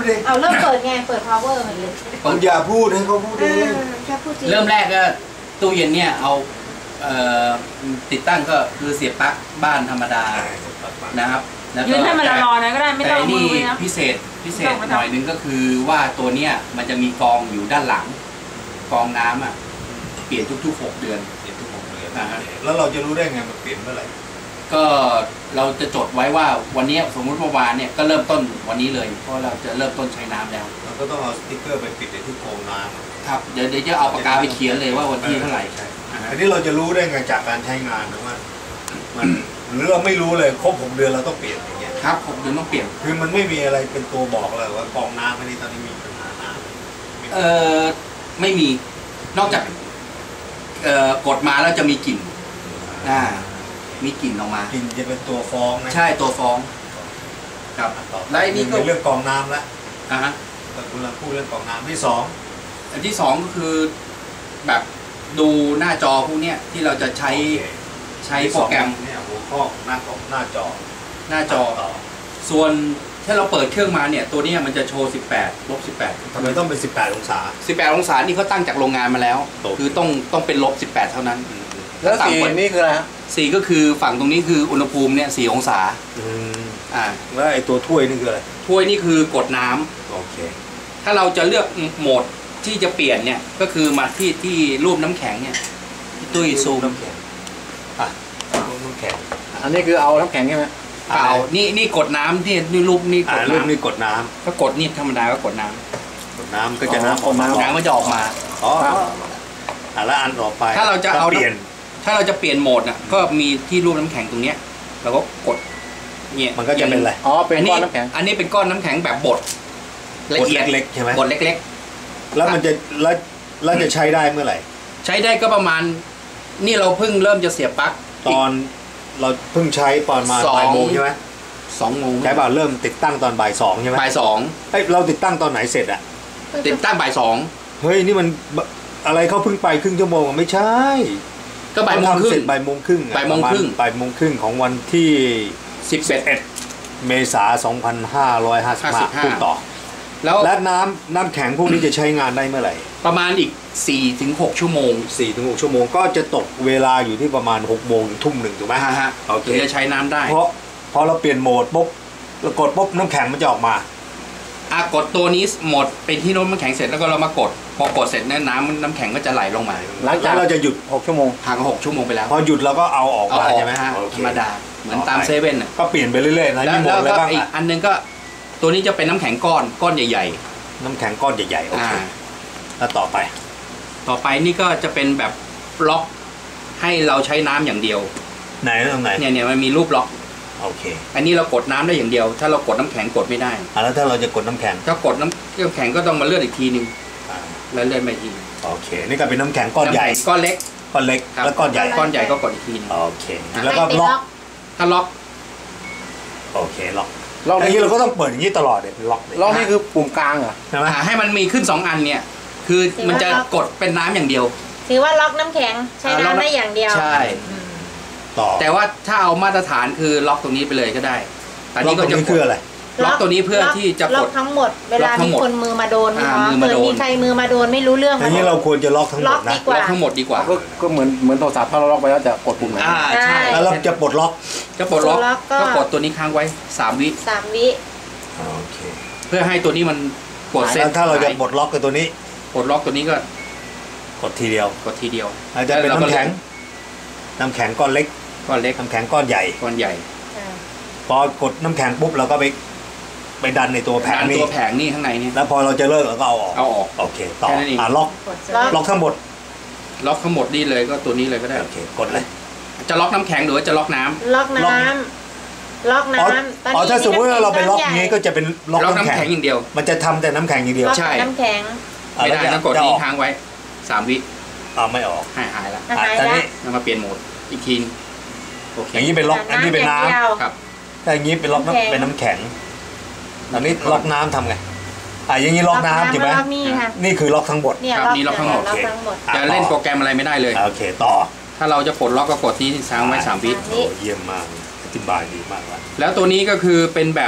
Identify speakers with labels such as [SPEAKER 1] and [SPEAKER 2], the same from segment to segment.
[SPEAKER 1] ดิ
[SPEAKER 2] เอาเริ่มเปิดไงเปิด power มันเลย
[SPEAKER 1] ผมอย่าพูดให้เขาพูดเอง
[SPEAKER 2] แค่พูดจริง
[SPEAKER 3] เริ่มแรกก็ตู้เย็นเนี่ยเอาติดตั้งก็คือเสียบปลั๊กบ้านธรรมดานะครับ
[SPEAKER 4] ยืนให้มันร้อนๆก็ได้ไม่ต้องมือนะ
[SPEAKER 3] พิเศษหน่อยนึงก็คือว่าตัวเนี้ยมันจะมีกองอยู่ด้านหลังกองน้ำอ่ะเปลี่ยนทุกๆ6 เดือน
[SPEAKER 1] แล้วเราจะรู้ได้ไงมันเปลี่ยนเมื่อไหร่
[SPEAKER 3] ก็เราจะจดไว้ว่าวันนี้สมมุติเมื่อวานเนี่ยก็เริ่มต้นวันนี้เลยเพราะเราจะเริ่มต้นใช้น้ำแล้ว
[SPEAKER 1] เราก็ต้องเอาสติ๊กเกอร์ไปปิดในที่กองน้
[SPEAKER 3] ำครับเดี๋ยวจะเอาปากกาไปเขียนเลยว่าวันที่เท่าไหร่
[SPEAKER 1] อันนี้เราจะรู้ได้ไงจากการใช้งานนะว่ามันหรือเราไม่รู้เลยครบ6 เดือนเราต้องเปลี่ยนอย่างเงี้ย
[SPEAKER 3] ครับ6 เดือนต้องเปลี่ยน
[SPEAKER 1] คือมันไม่มีอะไรเป็นตัวบอกเลยว่ากองน้ำอันนี้ตอนนี้มีปัญหาน้
[SPEAKER 3] ำไม่มีนอกจากกดมาแล้วจะมีกลิ่นมีกลิ่นออกมาก
[SPEAKER 1] ลิ่นจะเป็นตัวฟ้องนะ
[SPEAKER 3] ใช่ตัวฟ้องครับ
[SPEAKER 1] แล้วนี่ก็เรื่องกองน้ำแล้ว
[SPEAKER 3] ฮะ
[SPEAKER 1] แต่คุณเราพูดเรื่องกองน้ำที่2
[SPEAKER 3] อันที่2ก็คือแบบดูหน้าจอพวกนี้ที่เราจะใช้โปรแกรม
[SPEAKER 1] เนี่ยหัวข้อหน้าจอ
[SPEAKER 3] ส่วนถ้าเราเปิดเครื่องมาเนี่ยตัวนี้มันจะโชว์18
[SPEAKER 1] ทำไมต้องเป็น18 องศา
[SPEAKER 3] 18 องศานี่เขาตั้งจากโรงงานมาแล้วคือต้องเป็น-18เท่านั้น
[SPEAKER 1] แล้วสีนี่คืออะไรฮะ
[SPEAKER 3] สีก็คือฝั่งตรงนี้คืออุณหภูมิเนี่ย4 องศา
[SPEAKER 1] แล้วไอ้ตัวถ้วยนี่คืออะไร
[SPEAKER 3] ถ้วยนี่คือกดน้ำ
[SPEAKER 1] โอเค
[SPEAKER 3] ถ้าเราจะเลือกโหมดที่จะเปลี่ยนเนี่ยก็คือมาที่รูปน้ำแข็งเนี่ยตุ้ยซูม
[SPEAKER 1] น้ำแข็งน้ำแข็ง
[SPEAKER 5] อันนี้คือเอาน้ำแข็งใช่ไหม
[SPEAKER 3] เอานี่กดน้ำที่นี่รูปนี่กด
[SPEAKER 1] น้ำนี่กดน้
[SPEAKER 3] ำก็กดนี่ธรรมดาก็กดน้
[SPEAKER 1] ำก็จะน้ำออกมา
[SPEAKER 3] น้ำมันจะออกมา
[SPEAKER 1] แล้วอันต่อไป
[SPEAKER 3] ถ้าเราจะเอาถ้าเราจะเปลี่ยนโหมดน่ะก็มีที่รูปน้ำแข็งตรงเนี้ยเราก็กดเนี่ย
[SPEAKER 1] มันก็จะเป็นอะไร
[SPEAKER 5] เป็นก้อนน้ำแข็ง
[SPEAKER 3] อันนี้เป็นก้อนน้ำแข็งแบบบดละเอียด
[SPEAKER 1] เล็กใช่ไหม
[SPEAKER 3] บดเล็ก
[SPEAKER 1] ๆแล้วมันจะแล้วจะใช้ได้เมื่อไหร่
[SPEAKER 3] ใช้ได้ก็ประมาณนี่เราเพิ่งเริ่มจะเสียบปลั๊ก
[SPEAKER 1] ตอนเราเพิ่งใช้ตอนมาบ่ายโมงใช่ไหม
[SPEAKER 3] 2 โมง
[SPEAKER 1] ใช้บ่าเริ่มติดตั้งตอนบ่าย 2ใช่ไหม
[SPEAKER 3] บ่าย 2
[SPEAKER 1] เราติดตั้งตอนไหนเสร็จอะ
[SPEAKER 3] ติดตั้งบ่าย 2
[SPEAKER 1] เฮ้ยนี่มันอะไรเขาเพิ่งไปครึ่งชั่วโมงไม่ใช่
[SPEAKER 3] ก็บ่ายโมงครึ่ง
[SPEAKER 1] บ่ายโมงครึ่งของวันที่11เมษายน2555พูดต่อและน้ำแข็งพวกนี้จะใช้งานได้เมื่อไหร่
[SPEAKER 3] ประมาณอีก 4-6 ชั่วโมง
[SPEAKER 1] 4-6 ชั่วโมงก็จะตกเวลาอยู่ที่ประมาณ6 โมงถึง 1 ทุ่มถูกไหม
[SPEAKER 3] โอเคจะใช้น้ำได้
[SPEAKER 1] เพราะพอเราเปลี่ยนโหมดปุ๊บเรากดปุ๊บน้ำแข็งมันจะออกมาก
[SPEAKER 3] ดตัวนี้หมดเป็นที่น้ำแข็งเสร็จแล้วก็เรามากดพอกดเสร็จเนี่ยน้ำแข็งก็จะไหลลงมา
[SPEAKER 1] หลังจากเราจะหยุด6 ชั่วโมง
[SPEAKER 3] ห่าง6 ชั่วโมงไปแล้ว
[SPEAKER 1] พอหยุดเราก็เอาออกมาใช่ไหม
[SPEAKER 3] ธรรมดาเหมือนตามเซเว่น
[SPEAKER 1] ก็เปลี่ยนไปเรื่อยๆนะ
[SPEAKER 3] แล้วก็อีกอันนึงก็ตัวนี้จะเป็นน้ำแข็งก้อนใหญ่
[SPEAKER 1] ๆน้ำแข็งก้อนใหญ่ๆโอเคแล้วต่อไป
[SPEAKER 3] นี่ก็จะเป็นแบบล็อกให้เราใช้น้ำอย่างเดียว
[SPEAKER 1] ไหนตรงไหน
[SPEAKER 3] เนี่ยมันมีรูปล็อก
[SPEAKER 1] โอเค
[SPEAKER 3] อันนี้เรากดน้ำได้อย่างเดียวถ้าเรากดน้ำแข็งกดไม่ได้
[SPEAKER 1] แล้วถ้าเราจะกดน้ำแข็ง
[SPEAKER 3] ถ้ากดน้ำแข็งก็ต้องมาเลื่อนอีกทีนึงแล้วเลื่อนไปอีก
[SPEAKER 1] โอเคนี่ก็เป็นน้ำแข็งก้อนใหญ่
[SPEAKER 3] ก้อนเล็ก
[SPEAKER 1] แล้วก้อนใหญ่
[SPEAKER 3] ก็กดอีกทีนึง
[SPEAKER 1] โอเคแล้วก็ล็อก
[SPEAKER 3] ถ้าล็อก
[SPEAKER 1] โอเคล็อกอย่างนี้เราก็ต้องเปิดอย่างนี้ตลอดเลยล็อก
[SPEAKER 5] นี่คือปุ่มกลางเหรอ
[SPEAKER 1] ใช่ไหม
[SPEAKER 3] ให้มันมีขึ้น2 อันเนี่ยคือมันจะกดเป็นน้ำอย่างเดียว
[SPEAKER 2] ถือว่าล็อกน้ำแข็งใช้น้ำได้อย่างเดียว
[SPEAKER 3] ใช่แต่ว่าถ้าเอามาตรฐานคือล็อกตรงนี้ไปเลยก็ได้
[SPEAKER 1] อันนี้ก็จะคืออะไร
[SPEAKER 3] ล็อกตัวนี้เพื่อที่จะ
[SPEAKER 2] ล็อกทั้งหมดเวลามีคนมือมาโดนเกิดมีใครมือมาโดนไม่รู้เรื่อง
[SPEAKER 1] อย่างนี้เราควรจะล็อกทั้งหมดนะ
[SPEAKER 3] ล็อกทั้งหมดดีกว่า
[SPEAKER 5] ก็เหมือนโทรศัพท์ถ้าเราล็อกไปแล้วจะกดปุ่มไหน
[SPEAKER 3] ใช่
[SPEAKER 1] แล้วเราจะปลดล็อก
[SPEAKER 3] ก็กดตัวนี้ค้างไว้3 วิ
[SPEAKER 1] โอเค
[SPEAKER 3] เพื่อให้ตัวนี้มันกดเซ็ต
[SPEAKER 1] ถ้าเราจะปลดล็อกกับตัวนี้
[SPEAKER 3] ปลดล็อกตัวนี้ก็
[SPEAKER 1] กดทีเดียวอาจจะเป็นน้ำแข็งก้อนเล็กน้ำแข็งก้อนใหญ่พอกดน้ำแข็งปุ๊บเราก็ไปดันในตัวแผง
[SPEAKER 3] นี่ข้างในนี่
[SPEAKER 1] แล้วพอเราจะเลิกเราก็เอาออกโอเคต่อล็อกทั้งหมด
[SPEAKER 3] นี่เลยก็ตัวนี้เลยก็ได้
[SPEAKER 1] โอเคกดเลย
[SPEAKER 3] จะล็อกน้ำแข็งหรือว่าจะล็อกน้ำ
[SPEAKER 2] ล็อกน้ำ
[SPEAKER 1] ถ้าสมมติว่าเราไปล็อกนี้ก็จะเป็นล็อกน้ำแข็ง
[SPEAKER 3] อย่างเดียว
[SPEAKER 1] มันจะทำแต่น้ำแข็งอย่างเดียว
[SPEAKER 3] ใช่
[SPEAKER 2] น้ำแข็ง
[SPEAKER 3] ไม่ได้ต้องกดนี้ค้างไว้3 วิ
[SPEAKER 1] ไม่ออก
[SPEAKER 3] หายแล้ว
[SPEAKER 1] ตอนนี้
[SPEAKER 3] มาเปลี่ยนโหมดอีกที
[SPEAKER 1] อย่างนี้เป็นล็อกอันนี้เป็นน้ำ
[SPEAKER 3] ครับ
[SPEAKER 1] แต่อย่างนี้เป็นล็อกเป็นน้ำแข็งอันนี้ล็อกน้ำทำไงอย่างนี้ล็อกน้ำใช่ไหมนี่คือล็อกทั้งหมด
[SPEAKER 3] นี่ล็อกทั้งหมดจะเล่นโปรแกรมอะไรไม่ได้เลย
[SPEAKER 1] โอเคต่อ
[SPEAKER 3] ถ้าเราจะปลดล็อกก็กดที่ค้างไว้3 วิ
[SPEAKER 1] เยี่ยมมากอธิบายดีมาก
[SPEAKER 3] แล้วตัวนี้ก็คือเป็นแบบ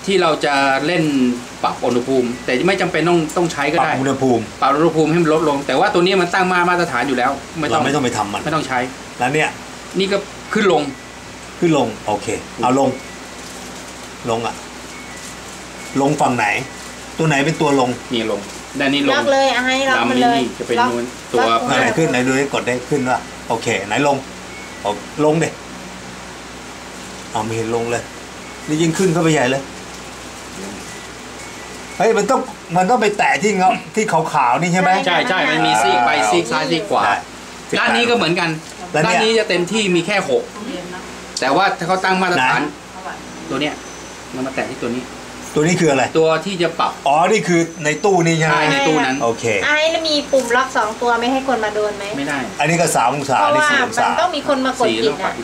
[SPEAKER 3] ที่เราจะเล่นปรับอุณหภูมิ แต่ไม่จำเป็นต้องใช้ก็
[SPEAKER 1] ปรับ
[SPEAKER 3] ได้
[SPEAKER 1] อุณหภูมิ
[SPEAKER 3] ปรับอุณหภูมิให้มันลดลง แต่ว่าตัวนี้มันตั้งมาตรฐานอยู่แล้ว
[SPEAKER 1] เราไม่ต้องไปทำมัน
[SPEAKER 3] ไม่ต้องใช้
[SPEAKER 1] แล้วเนี่ย
[SPEAKER 3] นี่ก็ขึ้นลง
[SPEAKER 1] โอเคเอาลงอ่ะลงฝั่งไหนตัวไหนเป็นตัวลง
[SPEAKER 3] นี่ลงด้านนี้ลง
[SPEAKER 2] ล็อกเลยให้ล็อกมันเลย
[SPEAKER 3] จะเป็นนู้นตัว
[SPEAKER 1] ไหนขึ้นไหนดูให้กดได้ขึ้นว่าโอเคไหนลงลงดิมีเห็นลงเลยนี่ยิ่งขึ้นเข้าไปใหญ่เลยเฮ้ยมันต้องไปแตะที่ขาวๆนี่ใช่ไหม
[SPEAKER 3] ใช่มันมีซีกไปซีกซ้ายซีกขวาด้านนี้ก็เหมือนกันด้านนี้จะเต็มที่มีแค่6แต่ว่าถ้าเขาตั้งมาตรฐานตัวเนี้ยมันมาแตะที่ตัวนี้
[SPEAKER 1] คืออะไร
[SPEAKER 3] ตัวที่จะปรับ
[SPEAKER 1] นี่คือในตู้นี่ใช่ไหม
[SPEAKER 3] ในตู้นั้น
[SPEAKER 1] โอเค
[SPEAKER 2] แล้วมีปุ่มล็อก2ตัวไม่ให้คนมาโดนไหม
[SPEAKER 3] ไม่ได้
[SPEAKER 1] อันนี้ก็3 องศา
[SPEAKER 2] เพราะว่ามันต้องมีคนมากดปิดนะ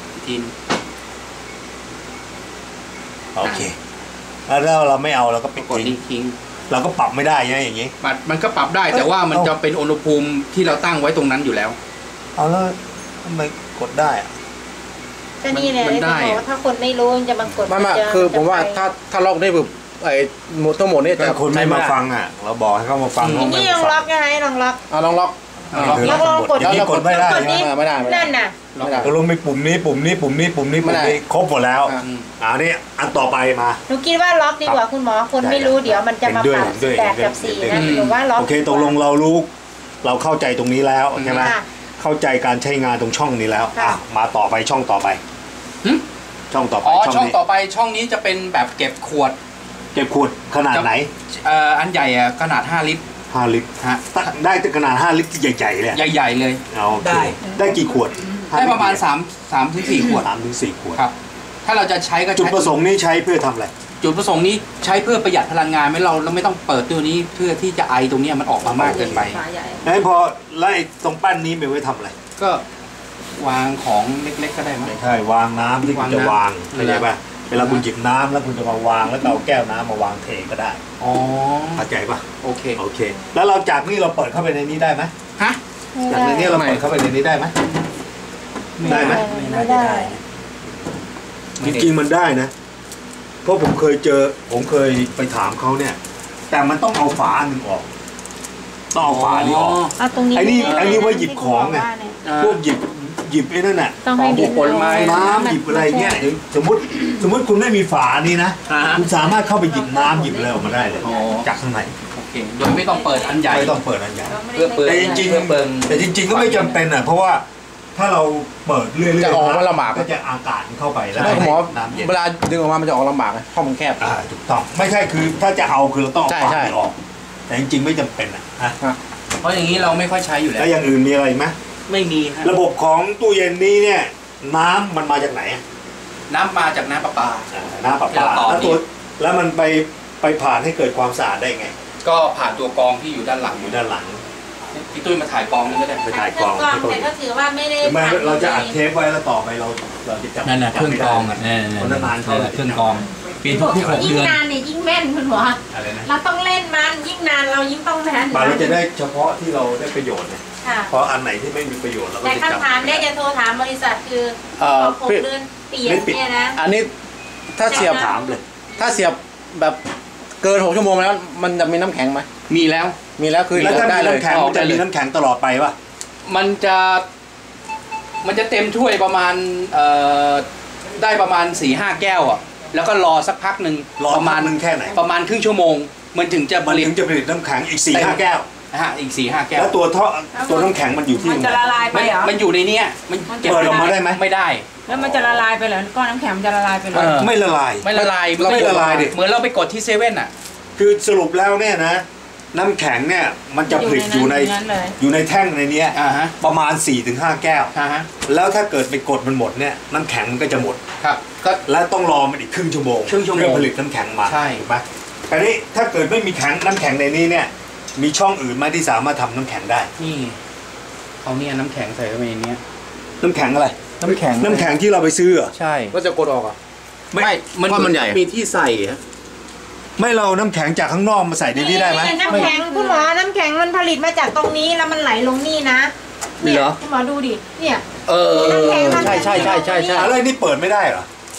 [SPEAKER 1] โอเคแล้วเราไม่เอาเราก็ปิด
[SPEAKER 3] ทิ้ง
[SPEAKER 1] เราก็ปรับไม่ได้ไงอย่างนี้
[SPEAKER 3] มันก็ปรับได้แต่ว่ามันจะเป็นอุณหภูมิที่เราตั้งไว้ตรงนั้นอยู่แล้ว
[SPEAKER 1] แล้วทำไมกดได้
[SPEAKER 2] ก็นี่แหละถ้าคนไม่รู้จะมากด
[SPEAKER 5] ไม่คือผมว่าถ้าล็อกได้แบบทั้งหมดนี่
[SPEAKER 1] แต่คนไม่มาฟังเราบอกให้เขามาฟัง
[SPEAKER 2] นี่ลองล็อกไงลองล็อก
[SPEAKER 5] ลอง
[SPEAKER 2] กด
[SPEAKER 1] กดไม่ได้
[SPEAKER 5] ไม่ได้
[SPEAKER 2] นั่นน่ะ
[SPEAKER 1] ลงไปปุ่มนี้ครบหมดแล้วนี่อันต่อไปมา
[SPEAKER 2] หนูคิดว่าล็อกดีกว่าคุณหมอคนไม่รู้เดี๋ยวมันจะมาปรับ8 กับ 4นะหรือว่าล็อก
[SPEAKER 1] โอเคตกลงเรารู้เราเข้าใจตรงนี้แล้วใช่ไหมเข้าใจการใช้งานตรงช่องนี้แล้วมาต่อไปช่องต่อไปช่องต่อไป
[SPEAKER 3] ช่องต่อไปช่องนี้จะเป็นแบบเก็บขวด
[SPEAKER 1] ขนาดไหน
[SPEAKER 3] อันใหญ่ขนาด5 ลิตร
[SPEAKER 1] 5 ลิตรฮะได้ขนาด5 ลิตรใหญ่ๆเลย
[SPEAKER 3] ใหญ่ๆเลย
[SPEAKER 1] ได้กี่ขวด
[SPEAKER 3] ได้ประมาณ3 ถึง 4 ขวด
[SPEAKER 1] 3 ถึง 4 ขวด
[SPEAKER 3] ครับถ้าเราจะใช้ก็
[SPEAKER 1] จุดประสงค์นี้ใช้เพื่อทำอะไร
[SPEAKER 3] จุดประสงค์นี้ใช้เพื่อประหยัดพลังงานไม่เราไม่ต้องเปิดตัวนี้เพื่อที่จะไอตรงนี้มันออกมามากเกินไป
[SPEAKER 1] พอไล่ตรงปั้นนี้ไปไว้ทำอะไร
[SPEAKER 3] ก็วางของเล็กๆก็ได้ไหม
[SPEAKER 1] ใช่วางน้ำที่คุณจะวางเข้าใจป่ะเวลาคุณหยิบน้ำแล้วคุณจะมาวางแล้วเอาแก้วน้ำมาวางเทก็ได้เข้าใจป่ะ
[SPEAKER 3] โอเค
[SPEAKER 1] แล้วเราจากนี่เราเปิดเข้าไปในนี้ได้ไหมจากในนี้เราเปิดเข้าไปในนี้ได้ไหมไหม
[SPEAKER 2] ไม่ได้
[SPEAKER 1] จริงๆมันได้นะเพราะผมเคยไปถามเขาเนี่ยแต่มันต้องเอาฝาหนึ่งออกต้องเอาฝานี้ออกไอ้นี่ว่าหยิบของไงพวกหยิบไอ้นั่นน่ะ
[SPEAKER 3] ผลไม้
[SPEAKER 1] น้ำหยิบอะไรเงี้ยสมมติคุณไม่มีฝานี้นะคุณสามารถเข้าไปหยิบน้ำหยิบอะไรออกมาได้เลยจากข้างใน
[SPEAKER 3] โดยไม่ต้องเปิดอันใหญ่
[SPEAKER 1] ไม่ต้องเปิดอันใหญ่แต่จริงก็ไม่จำเป็นอ่ะเพราะว่าถ้าเราเปิดเรื่อยๆ
[SPEAKER 5] จะออกมาลำบาก
[SPEAKER 1] ก็จะอากาศเข้าไปแล้ว
[SPEAKER 5] หมอเวลาดึงออกมามันจะออกลำบากห้องมันแคบ
[SPEAKER 1] ถูกต้องไม่ใช่คือถ้าจะเอาคือเราต้องเอาฝาออกแต่จริงๆไม่จำเป็นอ่ะ
[SPEAKER 3] เพราะอย่างนี้เราไม่ค่อยใช้อยู่แล้ว
[SPEAKER 1] แล้วอย่างอื่นมีอะไรไหม
[SPEAKER 3] ไม่มี
[SPEAKER 1] ระบบของตู้เย็นนี้เนี่ยน้ำมันมาจากไหน
[SPEAKER 3] น้ำมาจากน้ำประปา
[SPEAKER 1] แล้วมันไปผ่านให้เกิดความสะอาดได้ไง
[SPEAKER 3] ก็ผ่านตัวกรองที่อยู่ด้านหลังพี่ตุ้ยมาถ่ายกรองนี่ก็ได้
[SPEAKER 1] ไปถ่ายกรอง
[SPEAKER 2] แต่ก็ถือว่าไม่ได้
[SPEAKER 1] เราจะอัดเทปไว้แล้วต่อไปเราจะจับ
[SPEAKER 3] นั่นเครื่องกรองนั่นเครื่องกรองเปลี่ยนทุก6 เดือน
[SPEAKER 2] ยิ่งนานเนี่ยยิ่งแม่นคุณหมอเราต้องเล่นมันยิ่งนานเรายิ่งต้องแม่น
[SPEAKER 1] เราจะได้เฉพาะที่เราได้ประโยชน์เนี่ยเพราะอันไหนที่ไม่มีประโยชน์เราก็
[SPEAKER 2] จะจับแต่คำถามได้จะโทรถามบริษัทคือ6 เดือนเปลี่ยนเนี่ยนะ
[SPEAKER 5] อันนี้ถ้าเสียบ
[SPEAKER 1] ถามเลย
[SPEAKER 5] ถ้าเสียบแบบเกิน6 ชั่วโมงแล้วมันจะมีน้ำแข็งไหม
[SPEAKER 3] มีแล้ว
[SPEAKER 5] คือ
[SPEAKER 1] แล้วถ้ามีน้ำแข็งมันจะมีน้ำแข็งตลอดไปป่ะ
[SPEAKER 3] มันจะเต็มถ้วยประมาณได้ประมาณ 4-5 แก้วอ่ะแล้วก็รอสักพักหนึ่ง
[SPEAKER 1] ประมาณแค่ไหน
[SPEAKER 3] ประมาณครึ่งชั่วโมงมันถึงจะผลิต
[SPEAKER 1] น้ำแข็งอีก 4-5 แก้ว
[SPEAKER 3] อีก 4-5 แก้ว
[SPEAKER 1] แล้วตัวน้ำแข็งมันอยู่ที่
[SPEAKER 4] มันจะละลายไปเหรอ
[SPEAKER 3] มันอยู่ในนี้
[SPEAKER 1] มันเปิดออกมาได้ไหม
[SPEAKER 3] ไม่ได้
[SPEAKER 4] แล้วมันจะละลายไปเหรอก้อนน้ำแข็งมันจะละลายไปเหรอ
[SPEAKER 1] ไม่ละลาย
[SPEAKER 3] ดิเหมือนเราไปกดที่เซเว่นอ่ะ
[SPEAKER 1] คือสรุปแล้วเนี่ยนะน้ำแข็งเนี่ยมันจะผลิตอยู่ในแท่งในนี้ประมาณ 4-5 แก้วแล้วถ้าเกิดไปกดมันหมดเนี่ยน้ำแข็งมันก็จะหมด
[SPEAKER 3] ครับ
[SPEAKER 1] แล้วต้องรอมันอีกครึ่งชั่วโมงเพื่อผลิตน้ำแข็งมาถูกไหมแต่นี้ถ้าเกิดไม่มีน้ำแข็งในนี้เนี่ยมีช่องอื่นไหมที่สามารถทำน้ำแข็งได้
[SPEAKER 3] นี่เขาเนี่ยน้ำแข็งใส่เข้าไปในนี้
[SPEAKER 1] น้ำแข็งอะไร
[SPEAKER 5] น้ำแข็
[SPEAKER 1] งที่เราไปซื้อ
[SPEAKER 3] ใช่
[SPEAKER 5] ก็จะกดออกอ่ะ
[SPEAKER 3] ไม่
[SPEAKER 5] มันใหญ่
[SPEAKER 3] มีที่ใส่
[SPEAKER 1] ไม่เราน้ำแข็งจากข้างนอกมาใส่ในนี้ได้ไหม
[SPEAKER 2] น้ำแข็งคุณหมอน้ำแข็งมันผลิตมาจากตรงนี้แล้วมันไหลลงนี่นะเนี่ยคุณหมอดูดิเนี่ย
[SPEAKER 3] ใช่
[SPEAKER 1] อะไรนี่เปิดไม่ได้เหรอ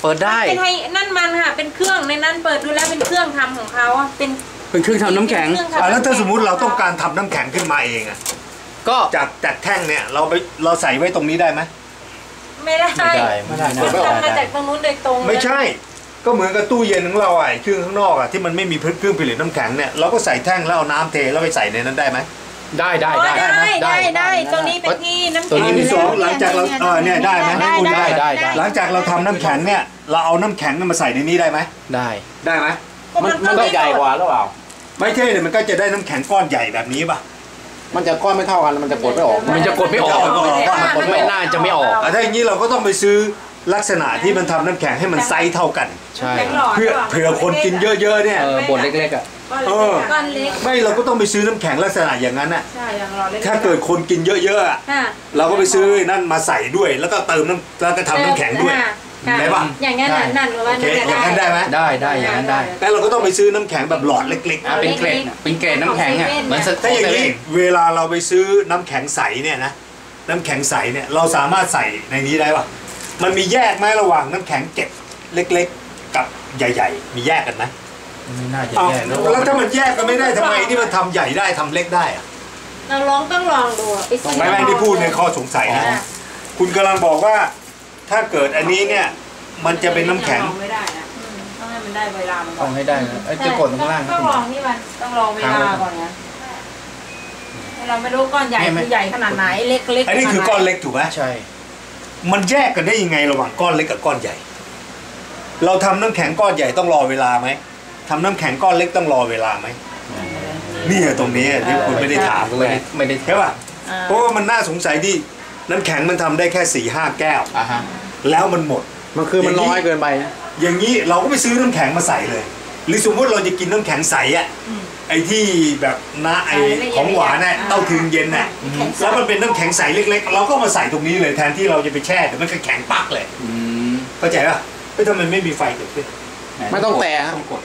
[SPEAKER 5] เปิดได้
[SPEAKER 2] เป็นไฮนั่นมันค่ะเป็นเครื่องในนั้นเปิดดูแล้วเป็นเครื่องทำของเขาอะเป็น
[SPEAKER 3] เป็นเครื่องทำน้ำแข็ง
[SPEAKER 1] แล้วถ้าสมมุติเราต้องการทำน้ำแข็งขึ้นมาเองอะ
[SPEAKER 5] ก็
[SPEAKER 1] จากแท่งเนี่ยเราใส่ไว้ตรงนี้ได้ไหม
[SPEAKER 2] ไม่ได้
[SPEAKER 5] ไม่ได้
[SPEAKER 2] มันทำมาจากตรงนู้นโดยตรงเลย
[SPEAKER 1] ไม่ใช่ ก็เหมือนกับตู้เย็นของเราไอ้เครื่องข้างนอกอะที่มันไม่มีเครื่องผลิตน้ำแข็งเนี่ยเราก็ใส่แท่งแล้วเอาน้ำเทแล้วไปใส่ในนั้นได้ไหม
[SPEAKER 5] ได้
[SPEAKER 2] อ๋อได้ตรงนี้เป็นที่น้ำ
[SPEAKER 5] ตัว
[SPEAKER 2] แข็ง
[SPEAKER 5] นี้มี
[SPEAKER 1] ที่สองหลังจากเราเนี่ยได้ไหม
[SPEAKER 5] ได้
[SPEAKER 1] หลังจากเราทำน้ำแข็งเนี่ยเราเอาน้ำแข็งมาใส่ในนี้ได้ไหม
[SPEAKER 5] ได้
[SPEAKER 1] ได้ไหม
[SPEAKER 5] มันก็ใหญ่กว่าหรือเปล่า
[SPEAKER 1] ไม่ใช่เลยมันก็จะได้น้ำแข็งก้อนใหญ่แบบนี้ป่ะ
[SPEAKER 5] มันจะก้อนไม่เท่ากันมันจะกดไม่ออก มันจะกดไม่ออกกดไม่น่าจะไม่ออก
[SPEAKER 1] ถ้าอย่างนี้เราก็ต้องไปซื้อลักษณะที่มันทำน้ำแข็งให้มันไซส์เท่ากัน
[SPEAKER 5] ใช่
[SPEAKER 1] เผื่อคนกินเยอะๆเนี่ย
[SPEAKER 5] บทเล็กๆอ่ะ
[SPEAKER 2] ก้อนเล็ก
[SPEAKER 1] ไม่เราก็ต้องไปซื้อน้ำแข็งลักษณะอย่างนั้นน่ะ
[SPEAKER 2] ใช่อย่างเราเล็ก
[SPEAKER 1] ถ้าเกิดคนกินเยอะๆอะ
[SPEAKER 2] ค่ะ
[SPEAKER 1] เราก็ไปซื้อนั่นมาใส่ด้วย แล้วก็เติมน้ำแล้วก็ทำน้ำแข็งด้วย ได้ปะ
[SPEAKER 2] อย่างนั้นนั่นหรือว่า
[SPEAKER 1] โอเคอย่างนั้นได้ไหม
[SPEAKER 3] ได้อย่างนั้นได้
[SPEAKER 1] แต่เราก็ต้องไปซื้อน้ำแข็งแบบหลอดเล็ก
[SPEAKER 3] เป็นเกรดเป็นเกรดน้ำแข็งอ่ะเหมือนส
[SPEAKER 1] ๆถ้าอย่างนี้เวลาเราไปซื้อน้ำแข็งใสเนี่ยนะน้ำแข็งใสเนี่ยเราสามารถใส่ในนี้ได้ปะมันมีแยกไหมระหว่างน้ำแข็งเก็บเล็กๆกับใหญ่ๆมีแยกกันไหม
[SPEAKER 3] ไม่น่าจะ
[SPEAKER 1] เอา
[SPEAKER 3] แย่แล้ว
[SPEAKER 1] แล้วถ้ามันแยกกันไม่ได้ทำไมที่มันทำใหญ่ได้ทำเล็กได้อะ
[SPEAKER 2] เราต้องลองดูไปซื้อ
[SPEAKER 1] ไม่ที่พูดในข้อสงสัยนะคุณกำลังบอกว่าถ้าเกิดอันนี้เนี่ยมันจะเป็นน้ำแข็ง
[SPEAKER 4] ไม่ได้นะต้องให้มันได้เวลามันก่
[SPEAKER 3] ต้
[SPEAKER 4] อ
[SPEAKER 3] อน งให้ได้นะจะกดข้างล่าง
[SPEAKER 4] ต้องลองที่มันต้องลองเวลาก่อนนะเราไม่รู้ก้อนใหญ่คือใหญ่ขนาดไหนเล็กๆ
[SPEAKER 1] อันนี้คือก้อนเล็กถูกไหม
[SPEAKER 3] ใช่
[SPEAKER 1] มันแยกกันได้ยังไงระหว่างก้อนเล็กกับก้อนใหญ่ เราทำน้ำแข็งก้อนใหญ่ต้องรอเวลาไหมทำน้ำแข็งก้อนเล็กต้องรอเวลาไหมนี่ตรงนี้ที่คุณไม่ได้ถาม
[SPEAKER 3] ไม่ได้
[SPEAKER 1] ใช่ป่ะเพราะว่ามันน่าสงสัยที่น้ำแข็งมันทำได้แค่4-5 แก้ว
[SPEAKER 3] อ่ะฮะ
[SPEAKER 1] แล้วมันหมด
[SPEAKER 5] มันคือมันน้อยเกินไป
[SPEAKER 1] อย่างนี้เราก็ไปซื้อน้ำแข็งมาใส่เลย หรือสมมติเราจะกินน้ำแข็งใสอ่ะไอ้ที่แบบน้าไอ้ของหวานน่ะเต้าถึงเย็นน่ะแล้วมันเป็นน้ำแข็งใสเล็กๆ เราก็มาใส่ตรงนี้เลยแทนที่เราจะไปแช่แต่มันก็แข็งปักเลยเข้าใจป่ะทำไมไม่มีไฟเกิดขึ้น
[SPEAKER 5] ไม่ต้องแตะ
[SPEAKER 3] ต้องกด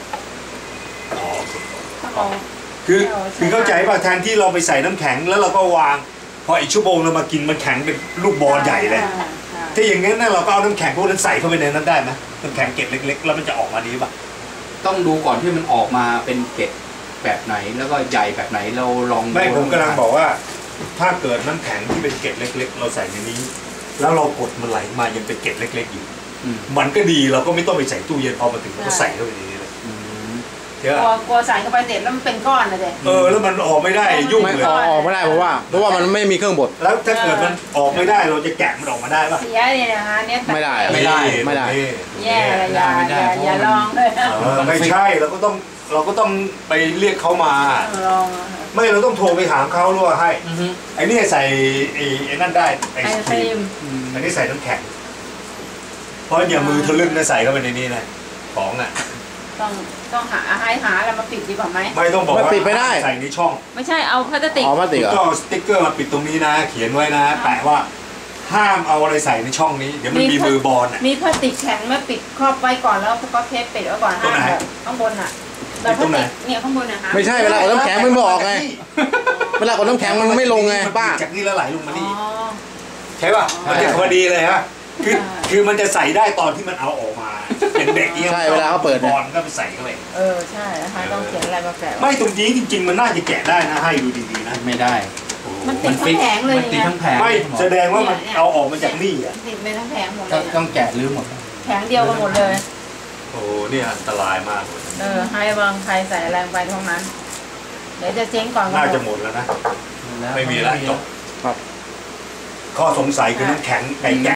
[SPEAKER 1] คือเข้าใจป่ะแทนที่เราไปใส่น้ำแข็งแล้วเราก็วางพออีกชั่วโมงเรามากินมันแข็งเป็นลูกบอลใหญ่เลยถ้าอย่างงั้นน่ะเราก็เอาน้ำแข็งพวกนั้นใส่เข้าไปในนั้นได้ไหมน้ำแข็งเกล็ดเล็กๆแล้วมันจะออกมาดีป่ะ
[SPEAKER 3] ต้องดูก่อนที่มันออกมาเป็นเกล็ดแบบไหนแล้วก็ใหญ่แบบไหนเราลอง
[SPEAKER 1] ไม่ผมกำลังบอกว่า ถ้าเกิดน้ำแข็งที่เป็นเกล็ดเล็กๆเราใส่ในนี้ แล้วเรากดมันไหลมายังเป็นเกล็ดเล็กๆอยู่มันก็ดีเราก็ไม่ต้องไปใส่ตู้เย็นพอมาถึงเราก็ใส่เข้าไปในนี้เลยเยอะ
[SPEAKER 4] กลัวใส่เข้าไปเสร็จแล้วมันเป็นก้อนเลยเด็
[SPEAKER 1] แล้วมันออกไม่ได้ยุ่ง
[SPEAKER 5] ไม่
[SPEAKER 1] เลย
[SPEAKER 5] ออกไม่ได้เพราะว่ามันไม่มีเครื่องบด
[SPEAKER 1] แล้วถ้าเกิดมันออกไม่ได้เราจะแกะมันออกมาได้ป่ะ
[SPEAKER 4] เสียเลยนะคะเนี่ย
[SPEAKER 5] ไม่ได้
[SPEAKER 3] ไม่ได้
[SPEAKER 4] แย่เลยอย่าลองเลย
[SPEAKER 1] ไม่ใช่เราก็ต้องไปเรียกเขามา
[SPEAKER 4] ลอง
[SPEAKER 1] ไม่เราต้องโทรไปถามเขาหรือว่าให้ไอ้นี่ใส่ไอ้นั่นได้ไอ้
[SPEAKER 4] ไอ
[SPEAKER 1] ค
[SPEAKER 4] ค
[SPEAKER 1] รี
[SPEAKER 4] รี
[SPEAKER 1] ม
[SPEAKER 4] ม
[SPEAKER 1] อันนี้ใส่น้ำแข็งเพราะอย่ามือทะลึ่งนะใส่เข้าไปในนี้นะของอ่ะ
[SPEAKER 4] ต้องหาแล้วมาปิดดีกว่าไหม
[SPEAKER 1] ไม่ต้องบอกว่า
[SPEAKER 5] ปิดไม่ได้
[SPEAKER 1] ใส่ในช่อง
[SPEAKER 4] ไม่ใช่เอาพลาสติก
[SPEAKER 5] อ๋อมาติดเหรอ
[SPEAKER 1] ก็สติ๊กเกอร์มาปิดตรงนี้นะ เขียนไว้นะแปะว่าห้ามเอาอะไรใส่ในช่องนี้ เดี๋ยวมันมีมือบอลอ่ะ
[SPEAKER 4] มีพลาสติกแข็งมาปิดครอบไว้ก่อนแล้วก็เทปปิดไว้ก่อน
[SPEAKER 1] ตรงไหน
[SPEAKER 4] ข้างบนอ่ะแบบพลาสติกเนี่ยข้างบนนะคะ
[SPEAKER 5] ไม่ใช่เวลากดน้ำแข็งมันไม่ออกไง เวลากดน้ำแข็งมันไม่ลงไงป้า
[SPEAKER 1] จากนี่แล้วไหลลงมา
[SPEAKER 4] อ๋
[SPEAKER 1] นี่
[SPEAKER 4] อ
[SPEAKER 1] ใช่ป่ะมันจะพอดีเลยฮะคือมันจะใส่ได้ตอนที่มันเอาออกมาเป็นเด็กเนี่ย
[SPEAKER 5] ใช่เวลาเขาเปิด
[SPEAKER 1] บ
[SPEAKER 5] เนี่ย
[SPEAKER 1] อลก็ไปใส่เข้าไป
[SPEAKER 4] ใช่นะคะต้องเขียนอะไรมาแปะ
[SPEAKER 1] ไม่ตรงนี้จริงๆมันน่าจะแกะได้นะให้ดูดีๆนะ
[SPEAKER 3] ไม่ได้
[SPEAKER 4] มันติดทั้งแผงเลย
[SPEAKER 3] มันติดทั้งแผง
[SPEAKER 1] ไม่แสดงว่ามันเอาออกมาจากนี่อ่ะ
[SPEAKER 4] ติดไปทั้งแผงหมดเล
[SPEAKER 3] ต้อง
[SPEAKER 4] ย
[SPEAKER 3] ต้องแกะรื้อหมด
[SPEAKER 4] แผงเดียวกันหมดเลย
[SPEAKER 1] โอ้เนี่ยอันตรายมากเลย
[SPEAKER 4] ให้บางใครใส่แรงไปเท่านั้น เดี๋ยวจะเจ๊งก่อน
[SPEAKER 1] น่าจะหมดแล้วนะ ไม่มีแล้วจบข้อสงสัยคือน้ำแข็งไก่แกะ